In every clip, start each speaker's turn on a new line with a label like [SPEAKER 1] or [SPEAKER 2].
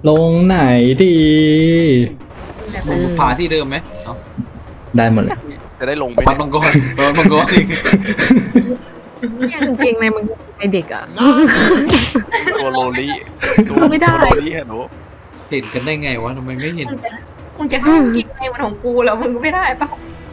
[SPEAKER 1] ลงไหนดี
[SPEAKER 2] ผาที่เดิมไหมเอา
[SPEAKER 1] ได้หมดเลย
[SPEAKER 3] จะได้ลงไป
[SPEAKER 2] ปัดมังกรปัดมังกรอีก
[SPEAKER 4] เนี่ยกางเกงในมึงไอเด็กอ่ะ
[SPEAKER 3] ตัวโลลี่
[SPEAKER 4] ไม่ได้
[SPEAKER 3] ตัวโลลี่ฮะหนู
[SPEAKER 2] เห็นกันได้ไงวะทำไมไม่เห็น
[SPEAKER 5] มึงจะห้ามกินในวันของกูแล้วมึงไม่ได้ปะ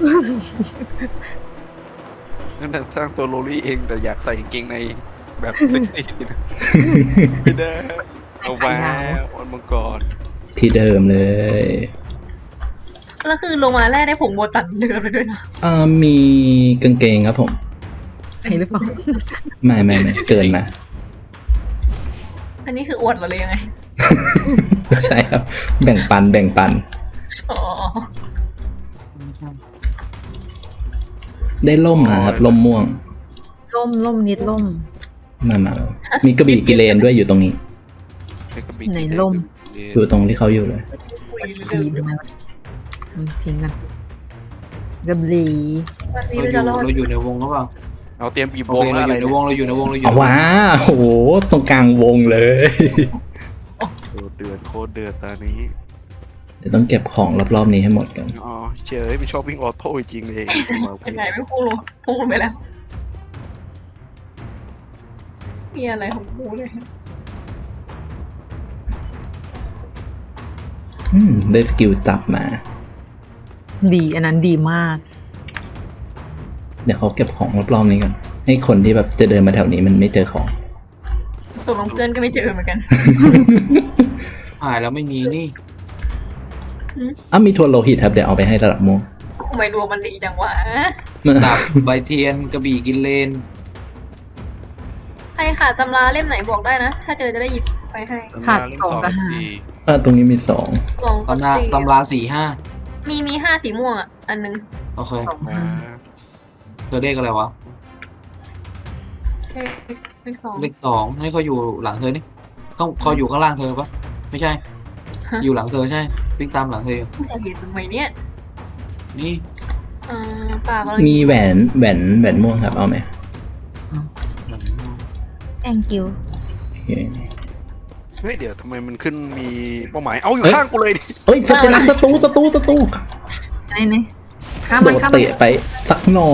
[SPEAKER 3] นั่นสร้างตัวโลลี่เองแต่อยากใส่กางเกงในแบบเซ็กซี่นะไม่ได้เอาไว้วันมังกร
[SPEAKER 1] ที่เดิมเลย
[SPEAKER 5] แล้วคือลงมาแรกได้ผงโบตันเดิมไปด้วยนะ
[SPEAKER 1] มีกางเกงครับผม
[SPEAKER 4] ไอหรือเปล่า
[SPEAKER 1] ไม่เกินมา
[SPEAKER 5] อันนี้คืออวดเหรอเลยยังไง
[SPEAKER 1] ใช่ครับ แบ่งปัน
[SPEAKER 5] อ๋อ
[SPEAKER 1] ได้ล่มนะครับล่มม่วง
[SPEAKER 4] ล่มนิดล่ม
[SPEAKER 1] มามีกระบี่กิเลนด้วยอยู่ตรงนี้
[SPEAKER 4] ไหนล่ม
[SPEAKER 1] อยู่ตรงที่เขาอยู่เลย
[SPEAKER 4] ดีทำไมวะทิ้งกันกระบลี
[SPEAKER 5] วันนี้
[SPEAKER 2] เรา
[SPEAKER 5] เรา
[SPEAKER 2] อยู่
[SPEAKER 5] จะรอด
[SPEAKER 2] เราอยู่ในวงหรือเปล่า
[SPEAKER 3] เราเตรียมบีบ
[SPEAKER 2] โอ
[SPEAKER 3] วง
[SPEAKER 2] เค
[SPEAKER 3] แล้ว
[SPEAKER 2] เรา
[SPEAKER 3] อะไร
[SPEAKER 2] อยู่ในวงเราอยู่ในวงเราอยู่
[SPEAKER 1] เอาว้าโอ้โหตรงกลางวงเลย
[SPEAKER 3] เดือดโคตรเดือดตอนนี้
[SPEAKER 1] เดี๋ยวต้องเก็บของรอบๆนี้ให้หมดกัน
[SPEAKER 3] อ๋อเฉยมันชอบวิ่งออโต้จริงเลย
[SPEAKER 5] เป็นไงไม่พูดพูดไปแล้วมีอะไรของกูเลย
[SPEAKER 1] ได้สกิลจับมา
[SPEAKER 4] ดีอันนั้นดีมาก
[SPEAKER 1] เดี๋ยวเขาเก็บของรอบๆนี้กันให้คนที่แบบจะเดินมาแถวนี้มันไม่เจอของ
[SPEAKER 5] ตกลงเพื่อนก็ไม่เจอเหมือนกัน
[SPEAKER 2] หายแล้วไม่มีนี่
[SPEAKER 1] มีทัวร์โลหิตครับเดี๋ยวเอาไปให้ระดับม่วง
[SPEAKER 5] ทำไมดวงมันดีจังวะ
[SPEAKER 2] ดาบใบเทียนกระบี่กินเลน
[SPEAKER 5] ใครขาดตำราเล่มไหนบอกได้นะ ถ้าเจอจะได้หยิบไปให้
[SPEAKER 4] ขาดสองกับห้า
[SPEAKER 1] ตรงนี้มี2
[SPEAKER 5] สองกับ
[SPEAKER 2] ตำรา
[SPEAKER 5] สี่
[SPEAKER 2] ตำรา4-5
[SPEAKER 5] มีห้าสีม่วงอ่ะ อันนึง
[SPEAKER 2] โอเค
[SPEAKER 4] สองห้า
[SPEAKER 2] เธอเลขอะไรวะ
[SPEAKER 5] เลขสอง
[SPEAKER 2] เลข2ให้เขาอยู่หลังเธอนี่ต้องเขาอยู่ข้างล่างเธอปะไม่ใช่ อยู่หลังเธอใช่วิ่งตามหลังเธอ
[SPEAKER 5] กูจะเห็นทำไมเนี่ย
[SPEAKER 2] นี่
[SPEAKER 5] ปากเรา
[SPEAKER 1] มีแหวนม่วงครับเอาไหม
[SPEAKER 4] thank you
[SPEAKER 1] โอเค
[SPEAKER 3] เฮ้ยเดี๋ยวทำไมมันขึ้นมีเป้าหมายเอาอยู่ข้างกูเลยดิ
[SPEAKER 1] เฮ้ยสเตลัสศัตรู
[SPEAKER 4] ไหนข้าม
[SPEAKER 1] โด
[SPEAKER 4] มัน
[SPEAKER 1] ด
[SPEAKER 4] ข้ามมัน
[SPEAKER 1] เตะไปสักหน่อย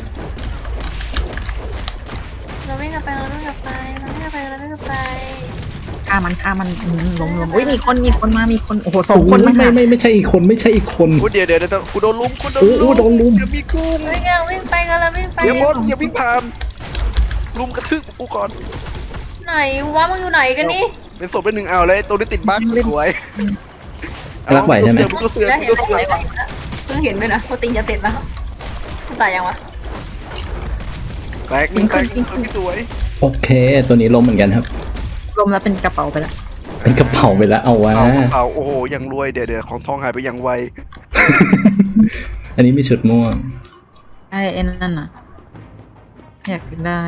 [SPEAKER 5] เราไม่กลับไปเราไม่กลับไปเราไม่กลับไปเราไม่กลับไป
[SPEAKER 4] ข้ามมันล้มอุ้ยมีคนมามีคนโอ้โห2 คน
[SPEAKER 1] ไม่ใช่อีกคน
[SPEAKER 3] กูเดี๋ยวกูโดนลุมกูโดน
[SPEAKER 1] โอ้โดนลุม
[SPEAKER 3] อย่ามีกุ้ง
[SPEAKER 5] เฮ้ยเราวิ่งไปกันเราวิ่งไป
[SPEAKER 3] อย่าบดอย่าวิ่งผ่านลุมกระทืบกูก่อน
[SPEAKER 5] ไหนวะมึงอยู่ไหนกันนี่
[SPEAKER 3] เป็นศพเป็นหนึ่งเอาเลยตัวนี้ติดบั๊กสวย
[SPEAKER 1] รักไหวใช่ไหม
[SPEAKER 3] ตัวเสือ
[SPEAKER 5] ได้เห็น
[SPEAKER 3] ตัว
[SPEAKER 5] ไหม
[SPEAKER 3] เสือ
[SPEAKER 5] เพิ่งเห็นด้วยนะว่าติงจะเสร็จแล้วตายยังวะ
[SPEAKER 3] แตกหนึ่งแตกหนึ่งตัวที่สวย
[SPEAKER 1] โอเค ตัวนี้ล้มเหมือนกันครับ
[SPEAKER 4] ล้มแล้วเป็นกระเป๋าไปแล้ว
[SPEAKER 1] เป็นกระเป๋าไปแล้วเอาวะ
[SPEAKER 3] เอาโอ้โหยังรวยเดี๋ยวของทองหายไปยังไว
[SPEAKER 1] อันนี้มีชุดม่วง
[SPEAKER 4] ไอ้นั่นน่ะอยากได้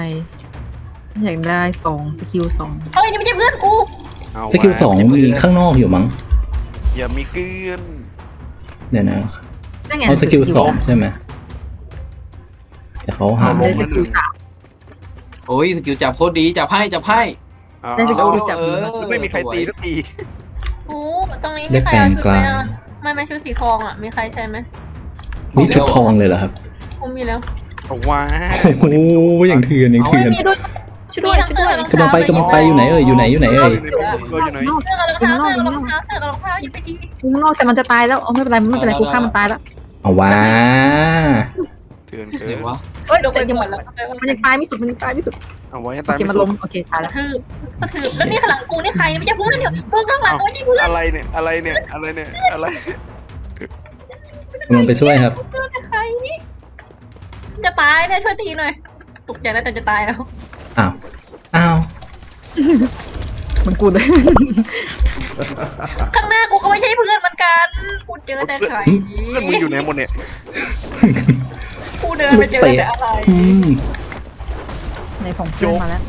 [SPEAKER 4] 2 สกิล 2
[SPEAKER 5] เฮ้ยนี่ไม่ใช่เพื่อนกู
[SPEAKER 1] สกิล2มีข้างนอกอยู่มั้ง
[SPEAKER 3] อย่ามีเกลือน
[SPEAKER 1] เดี๋ยวนะ
[SPEAKER 4] นั่นไง
[SPEAKER 1] เอาสกิล2ใช่ไหมเดี๋ยวเขาหา
[SPEAKER 4] ได้สกิล
[SPEAKER 2] โอ้ยสกิลจับโคตรดีจับให้
[SPEAKER 4] ได้สกิลจับ
[SPEAKER 3] ไม่มีใครตีสักที
[SPEAKER 5] โอ้ตรงนี้
[SPEAKER 1] ได้
[SPEAKER 5] มีใคร
[SPEAKER 1] แปล
[SPEAKER 5] เอา
[SPEAKER 1] ง
[SPEAKER 5] ชุด
[SPEAKER 1] ก
[SPEAKER 5] ไหม
[SPEAKER 1] ลาง
[SPEAKER 5] อ่ะไม่ชุดสีทองอ่ะมีใครใช่ไหม
[SPEAKER 1] มีชุดทองเลยเหรอครับ
[SPEAKER 5] ผมมีแล้ว
[SPEAKER 3] ว้า
[SPEAKER 1] โอ้โหอย่างเถื่อน
[SPEAKER 4] มีด้วยช่วยด้วย
[SPEAKER 1] กำลังไปอยู่ไหนเอ่ยอยู่ไหน
[SPEAKER 3] อยู่ไหน
[SPEAKER 5] เสื้อกับรองเท้าหยิบไปที
[SPEAKER 4] ข้างนอกแต่มันจะตายแล้วไม่เป็นไรกูฆ่ามันตายแล้ว
[SPEAKER 1] เอาวะ
[SPEAKER 3] เถื่อน
[SPEAKER 2] เดี๋ยววะ
[SPEAKER 4] เอ้ย
[SPEAKER 5] โดนไป
[SPEAKER 4] แต่ยัง
[SPEAKER 5] หมดแล้ว
[SPEAKER 4] มันยังตายไม่สุด
[SPEAKER 3] เอาไว้
[SPEAKER 4] โอ
[SPEAKER 3] ตาย
[SPEAKER 4] เคมันล้มโอเคตาย
[SPEAKER 5] ก
[SPEAKER 4] แล้ว
[SPEAKER 5] ระทืบแล้วนี่ข้างหลังกูนี่ใครไม่ใช่เพื่อนเดี๋ยวเพื่อนข้างหลังไม่ใช่เพื่อน
[SPEAKER 3] อะไรเนี่ยอะไร
[SPEAKER 1] กำลังไปช่วยครับ
[SPEAKER 5] เพื่อนใครนี่จะตายนะช่วยตีหน่อยตกใจแล้วแต่จะตายแล้ว
[SPEAKER 1] อ้าว
[SPEAKER 4] มันกูเลย
[SPEAKER 5] ข้างหน้ากูก็ไม่ใช่เพื่อนเหมือนกันกูเจอแต่ใคร
[SPEAKER 3] เพื่อนมึงอยู่ไหนหมดเนี่ย
[SPEAKER 5] กูเดินไปเจอแต่อะไร
[SPEAKER 4] ในของเพื่อนมาแล้ว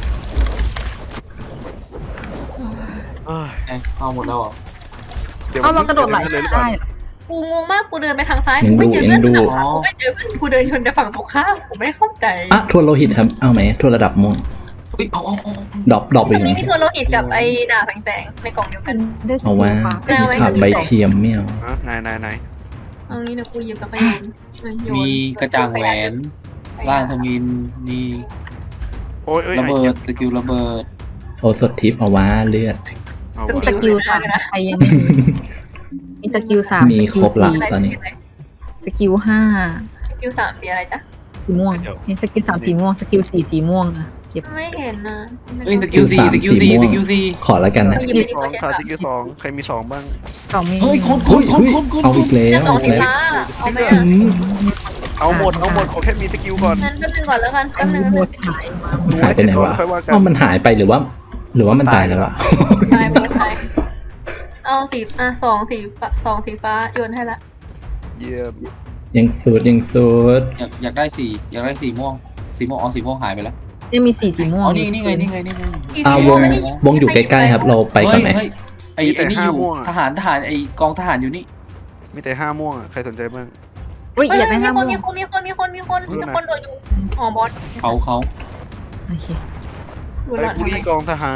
[SPEAKER 2] เอาหมดแล้วเหรอ
[SPEAKER 4] เอาเรากระโดดไหลได้
[SPEAKER 5] กูงงมากกูเดินไปทางซ้ายกูไม่เจอเพื่อนฝั่งขวากูไม่เจอเพื่อนกูเดินชนแต่ฝั่งตรงข้ามกูไม่เข้าใจ
[SPEAKER 1] ทัวร์โลหิตครับเอาไหมทัวร์ระดับม่วง
[SPEAKER 2] เฮ้ยเอา
[SPEAKER 1] ดรอป
[SPEAKER 5] ตร
[SPEAKER 1] อีก
[SPEAKER 5] ง
[SPEAKER 1] ไง
[SPEAKER 5] นี้มีตัวโลหิตกับไอ้ดาบแสงๆในกล่องเดียวกัน
[SPEAKER 4] ได้ส
[SPEAKER 1] เอา
[SPEAKER 4] กิล
[SPEAKER 1] ว่า
[SPEAKER 4] ฟ้า
[SPEAKER 5] เอาไว้
[SPEAKER 1] ผักใบเทียมไม่เอา
[SPEAKER 3] อ่ะไหน
[SPEAKER 5] เอางี้เดี๋ยวกูหยิบกลับไปโยน
[SPEAKER 2] มีกระจ่างแหวนร่างทมินนี่
[SPEAKER 3] โอ้ยเอ้ย
[SPEAKER 2] ระ
[SPEAKER 3] ไอ้
[SPEAKER 2] เบิ
[SPEAKER 3] เหี้ย
[SPEAKER 2] ดสกิลระเบิด
[SPEAKER 1] โอสดทิปเอาว่าเลือด
[SPEAKER 3] เอา
[SPEAKER 4] มี
[SPEAKER 3] วะ
[SPEAKER 4] สกิล3ใครยังไม่มีมีสกิล3
[SPEAKER 1] มี
[SPEAKER 4] ส
[SPEAKER 1] ค
[SPEAKER 4] กิ
[SPEAKER 1] ร
[SPEAKER 4] ล
[SPEAKER 1] บละ
[SPEAKER 4] 4
[SPEAKER 1] ตอนนี้
[SPEAKER 4] สกิล
[SPEAKER 5] ส
[SPEAKER 4] 5
[SPEAKER 5] กิล3สีอะไรจ๊ะ
[SPEAKER 4] สีม่วงเห็นสกิล3สีม่วงสกิล4สีม่วงอะเก็บ
[SPEAKER 5] ไม่เห็นนะ
[SPEAKER 2] เฮ้ยสกิล4สกิล4สกิล4
[SPEAKER 1] ขอแล้วกันนะ
[SPEAKER 5] หยิบไปดิ
[SPEAKER 3] สอ
[SPEAKER 5] ตัว
[SPEAKER 3] ง
[SPEAKER 5] เช็ด
[SPEAKER 3] ขาด
[SPEAKER 5] อะ
[SPEAKER 3] สกิล2ใครมี2บ้าง
[SPEAKER 4] 2มี
[SPEAKER 2] เฮ้ยคน
[SPEAKER 1] เฮ้ยเอาอีกแล้
[SPEAKER 5] จะ
[SPEAKER 1] ว
[SPEAKER 5] สองสี
[SPEAKER 1] แล้ว
[SPEAKER 5] ฟ้าเอาไหม
[SPEAKER 1] อื
[SPEAKER 5] อ่ะ
[SPEAKER 1] ม
[SPEAKER 3] เอาหมดขอแค่มีสกิลก่อน
[SPEAKER 5] งั้นแป๊บนึงก่อนแล้วกันแป๊บนึง
[SPEAKER 4] หมดหายมา
[SPEAKER 1] หายไปไหนวะ
[SPEAKER 3] ค่อยว่ากัน
[SPEAKER 1] ว่ามันหายไปหรือว่ามันตายแล้วอะ
[SPEAKER 5] ตายหมดตายเอาสีสองสีฟ้าโยนให้ละ
[SPEAKER 3] เยี่ยม
[SPEAKER 1] ยังสูด
[SPEAKER 2] อยากได้สีม่วงเอาสีม่วงหายไปแล้ว
[SPEAKER 4] ยังมี4สีม่วง
[SPEAKER 2] อ๋อนี่ไง
[SPEAKER 1] วงอยู่ใกล้ๆครับ เราไปก่อนไหม
[SPEAKER 2] เฮ้ยไอ้นี่อยู่ทหารไอ้กองทหารอยู่นี่
[SPEAKER 3] มีแต่5ม่วงอ่ะใครสนใจบ้าง
[SPEAKER 4] อุ้ย
[SPEAKER 5] เฮ้ย
[SPEAKER 4] อยากได้
[SPEAKER 5] มี
[SPEAKER 4] 5
[SPEAKER 5] ค
[SPEAKER 4] ม่
[SPEAKER 5] น
[SPEAKER 4] วง
[SPEAKER 5] มีคนโดดอยู่อ๋อบอส
[SPEAKER 2] เขา
[SPEAKER 4] โอเค
[SPEAKER 5] ดู
[SPEAKER 3] ไอ้
[SPEAKER 5] หลอด
[SPEAKER 3] บุ
[SPEAKER 5] ทำไม
[SPEAKER 3] รีกองทหาร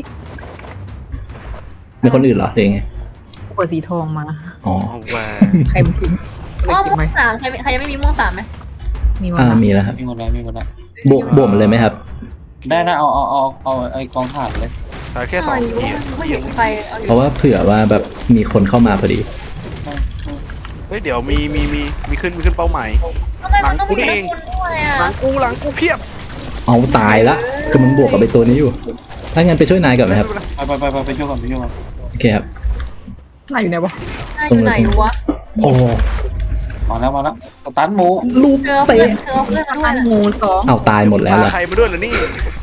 [SPEAKER 1] มีคนอื่นเหรอหรือยังไง
[SPEAKER 4] เปิดสีทองมา
[SPEAKER 1] อ๋อ
[SPEAKER 3] เอาแหว
[SPEAKER 4] ใครมาทิ้งเลย
[SPEAKER 5] อ๋อ
[SPEAKER 4] เก็บ
[SPEAKER 5] ม่ว
[SPEAKER 4] ไว้
[SPEAKER 5] งสามใครยังไม่มีม่วงสามไหม
[SPEAKER 4] มีวะ
[SPEAKER 1] มีแล้วครับ
[SPEAKER 2] มีหมดแล้ว
[SPEAKER 1] บวกเลยไหมครับ
[SPEAKER 2] ได้เอาไอ้กองทหารเลย
[SPEAKER 3] ขาดแค่2
[SPEAKER 5] ไม่
[SPEAKER 3] ทีอะ
[SPEAKER 5] ไม่เห็นใครเอาอ
[SPEAKER 1] เพ
[SPEAKER 5] ยู่
[SPEAKER 1] ราะว่าเผื่อว่าแบบมีคนเข้ามาพอดี
[SPEAKER 3] เฮ้ยเดี๋ยวมีขึ้นเป้าหมาย
[SPEAKER 5] ทำไมมันต้องมี
[SPEAKER 3] หลังกูเอง
[SPEAKER 5] คนด้วยอ่ะ
[SPEAKER 3] หลังกูเพียบ
[SPEAKER 1] เอาตายละคือมันบวกกับไอตัวนี้อยู่ ถ้างั้นไปช่วยนายก่อนไหมครับ
[SPEAKER 2] ไปช่วยก่อน
[SPEAKER 1] โอเคครับ
[SPEAKER 4] ไหนอยู่ไหนวะ
[SPEAKER 5] นายอยู่ไหนวะ
[SPEAKER 1] โอ้
[SPEAKER 2] มาแล้วสตันหมู
[SPEAKER 1] ลูก
[SPEAKER 5] เธอ
[SPEAKER 1] เตะ
[SPEAKER 5] เพื่อนมาด้วย
[SPEAKER 4] อันหมู2
[SPEAKER 1] เอาตายหมดแล้ว
[SPEAKER 3] พา
[SPEAKER 1] ล่ะ
[SPEAKER 3] ใครมาด้วยเหรอนี่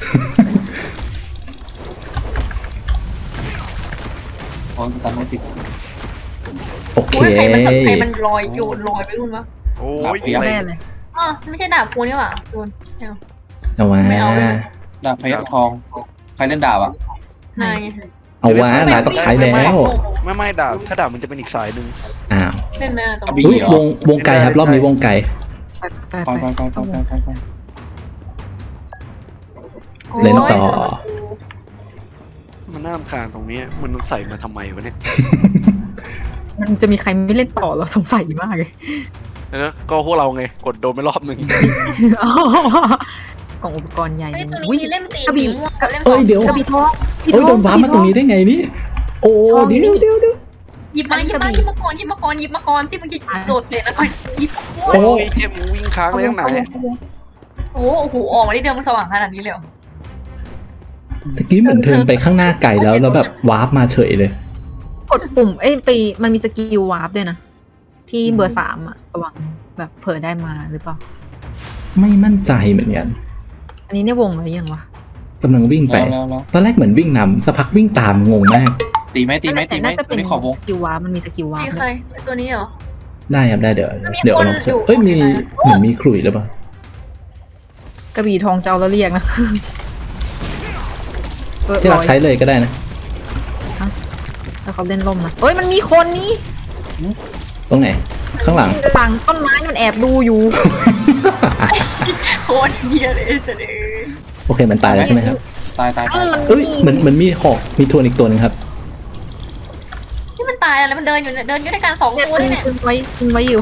[SPEAKER 2] สตันไม่ติด
[SPEAKER 1] โอเค
[SPEAKER 5] โอ้ยใครมันลอยโยนลอยไปรุ่นวะ
[SPEAKER 3] โอ้ย
[SPEAKER 2] เดี๋ยว
[SPEAKER 4] แน่เลย
[SPEAKER 5] อ๋อไม่ใช่ดาบกูนี่หว่าโยน
[SPEAKER 1] เอาว่า
[SPEAKER 5] ไม่เอาเลย
[SPEAKER 2] ดาบพยัคฆ์ทองใครเล่นดาบอ่ะ
[SPEAKER 5] นาย
[SPEAKER 1] เอาว่านายต้องใช้แล้ว
[SPEAKER 3] ไม่ดาบถ้าดาบมันจะเป็นอีกสายหนึ่ง
[SPEAKER 1] อ้าว
[SPEAKER 5] เล่นแม่ตรง
[SPEAKER 1] อุ้ยวงไกลครับ รอบนี้วงไกล
[SPEAKER 4] ไป
[SPEAKER 2] ไป
[SPEAKER 1] เล่นต่อ
[SPEAKER 3] มันน่ารำคาญตรงนี้มันใส่มาทำไมวะเนี่ย
[SPEAKER 4] มันจะมีใครไม่เล่นต่อเราสงสัยมากเลย
[SPEAKER 3] แล้วก็พวกเราไงกดโดนไปรอบหนึ่ง
[SPEAKER 4] กล่องอุปกรณ์ใหญ่
[SPEAKER 5] ไอ้ตัวนี้
[SPEAKER 4] อุ้ย
[SPEAKER 5] มีเล่มสี
[SPEAKER 4] กระบี่
[SPEAKER 5] ม่วงกับเล่ม
[SPEAKER 1] เอ้ยเดี๋ยว
[SPEAKER 4] กระบี่ทอง
[SPEAKER 1] โอ้ยโดนว้าร์ปมาตรงนี้ได้ไงนี่ โอ้เดี๋ยว
[SPEAKER 5] หยิบมาก่อนที่มันจะโดดเลยนะก่อนหยิบ
[SPEAKER 3] โอ้ยเจ็บวิ่งค้างเลยข้างไหน
[SPEAKER 5] โอ้โหออกมาได้เดินมันสว่างขนาดนี้เลย
[SPEAKER 1] ตะกี้เหมือนเทินไปข้างหน้าไกลแล้วแบบวาร์ปมาเฉยเลย
[SPEAKER 4] กดปุ่มไปมันมีสกิลวาร์ปด้วยนะ ที่เบอร์3อะระวังแบบเผลอได้มาหรือเปล่า
[SPEAKER 1] ไม่มั่นใจเหมือนกัน
[SPEAKER 4] อันนี้เนี่ยวงหรือยังวะ
[SPEAKER 1] กำลังวิ่งไป
[SPEAKER 2] แล้ว
[SPEAKER 1] ตอนแรกเหมือนวิ่งนำสักพักวิ่งตามงงมาก
[SPEAKER 2] ตีไหม
[SPEAKER 4] แต่น่าจะ
[SPEAKER 2] ตั
[SPEAKER 4] เป็
[SPEAKER 2] วน นี้ขอบวง
[SPEAKER 4] สกิลวาร์ปมันมีสกิลวาร์
[SPEAKER 5] มี
[SPEAKER 4] ป
[SPEAKER 5] ใครตัวนี้เหรอ
[SPEAKER 1] ได้ครับได้เดี๋ยว
[SPEAKER 5] มี
[SPEAKER 1] เดี๋ยว
[SPEAKER 5] คน
[SPEAKER 1] ลอง
[SPEAKER 5] อยู่
[SPEAKER 1] เอ้ยมีเหมือนมีขลุ่ยหรือเปล่าก
[SPEAKER 4] ระบี่ทองเจ้าแล้วเรียกนะ
[SPEAKER 1] ที่เราใช้เลยก็ได้นะ
[SPEAKER 4] แล้วเขาเล่นล่มนะเอ้ยมันมีคนนี้
[SPEAKER 1] ตรงไหน ข้างหลัง
[SPEAKER 4] ต่างต้นไม้มันแอบดูอยู่
[SPEAKER 5] โคตรเฮียเลยเสด็จ
[SPEAKER 1] โอเคมันตายแล้วใช่ไหมครับ
[SPEAKER 2] ตาย
[SPEAKER 1] เอ้ยเหมือนมีหอกมีทวนอีกตัวหนึงครับ
[SPEAKER 5] ที่มันตายอะไรมันเดินอยู่ด้วยกัน2
[SPEAKER 4] เนี่ย
[SPEAKER 5] ตัวเนี่ย
[SPEAKER 4] คุณไว้อยู่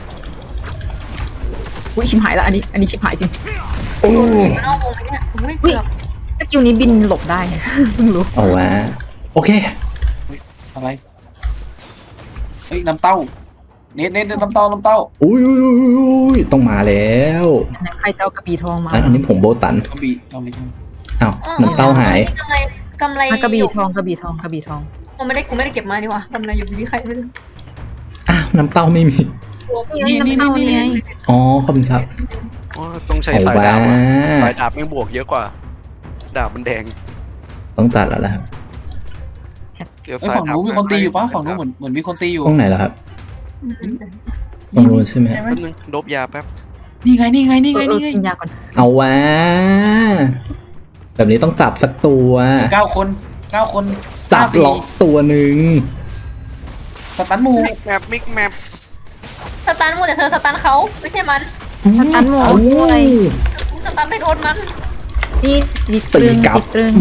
[SPEAKER 4] อุ้ยชิบหายแล้วอันนี้ชิบหายจริง
[SPEAKER 1] โอ้
[SPEAKER 5] มันนอกวงเนี่ยเกือบ
[SPEAKER 4] สกิลนี้บินหลบได้ เพิ่งรู้
[SPEAKER 1] เอาวะโอเค
[SPEAKER 2] อะไรเฮ้ยน้ำเต้าเน็ตน้ำเต้า
[SPEAKER 1] อุ้ยต้องมาแล้ว
[SPEAKER 4] ใครจะเอากระบี่ทองมา
[SPEAKER 1] อันนี้ผมโบตัน
[SPEAKER 2] กระบี่เอาไม่ใช่
[SPEAKER 1] อ้าวน้ำเต้าหาย
[SPEAKER 5] กำไร
[SPEAKER 4] กระบี่ทอง
[SPEAKER 5] กูไม่ได้เก็บมาดีกว่ากำไรอยู่ที่ใครไม่รู้
[SPEAKER 1] อ้าวน้ำเต้าไม่มี
[SPEAKER 2] นี่
[SPEAKER 1] อ๋อขอบคุณครับ
[SPEAKER 3] ต้องใช้
[SPEAKER 1] เอา
[SPEAKER 3] สาย
[SPEAKER 1] ว่า
[SPEAKER 3] ดาบสายดาบแม่งบวกเยอะกว่า ดาบมันแดง
[SPEAKER 1] ต้องตัดแล้วล่ะครับ
[SPEAKER 3] เดี๋ยว
[SPEAKER 2] ไอ้
[SPEAKER 3] สาย
[SPEAKER 2] ฝั่ง
[SPEAKER 3] ดาบ
[SPEAKER 2] นู้นมีคนตีอยู่ปะฝั่งนู้นเหมือนมีคนตีอยู่
[SPEAKER 1] ตรงไหนล่ะครับตรงนู้นใช่ไหม
[SPEAKER 2] ใช่ไหม
[SPEAKER 3] แป๊บนึงโดบยาแป๊บ
[SPEAKER 2] นี่ไง
[SPEAKER 4] กินยาก่อน
[SPEAKER 1] เอาวะแบบนี้ต้องจับสักตัว
[SPEAKER 2] 9 คน
[SPEAKER 1] จับล็อกตัวหนึ่ง
[SPEAKER 2] สตันหมู
[SPEAKER 3] มิกแมป
[SPEAKER 5] สตันมูแต่เธอสตันเขาไม่ใช่มัน
[SPEAKER 4] สตันหมด
[SPEAKER 1] เอา
[SPEAKER 4] ด้วย
[SPEAKER 5] สตันไม่โดนมัน
[SPEAKER 4] นี่ดิต
[SPEAKER 1] ตี
[SPEAKER 4] รึง
[SPEAKER 1] กลับ
[SPEAKER 4] ดิตรึง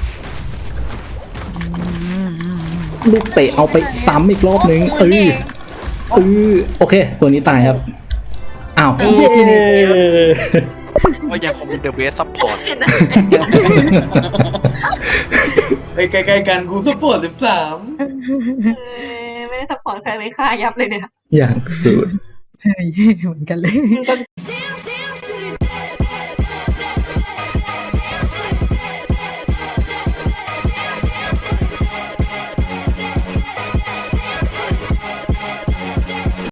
[SPEAKER 1] ลูกเตะเอาไปซ้ำอีกรอบนึง
[SPEAKER 5] โอ้โห
[SPEAKER 1] โอเค ตัวนี้ตายครับ อ้าว
[SPEAKER 4] เอ้ย
[SPEAKER 1] เย้
[SPEAKER 3] ก็ยังคงมีเดอะเบสซัพพอร์ต
[SPEAKER 2] ไปใกล้ๆกันกูสปอร์ต13
[SPEAKER 5] ไม่ได้สปอร์ตใครเลยค่ายับเลยเนี่ย
[SPEAKER 1] อย่างสุด
[SPEAKER 4] เฮ้ยเหมือนกันเลย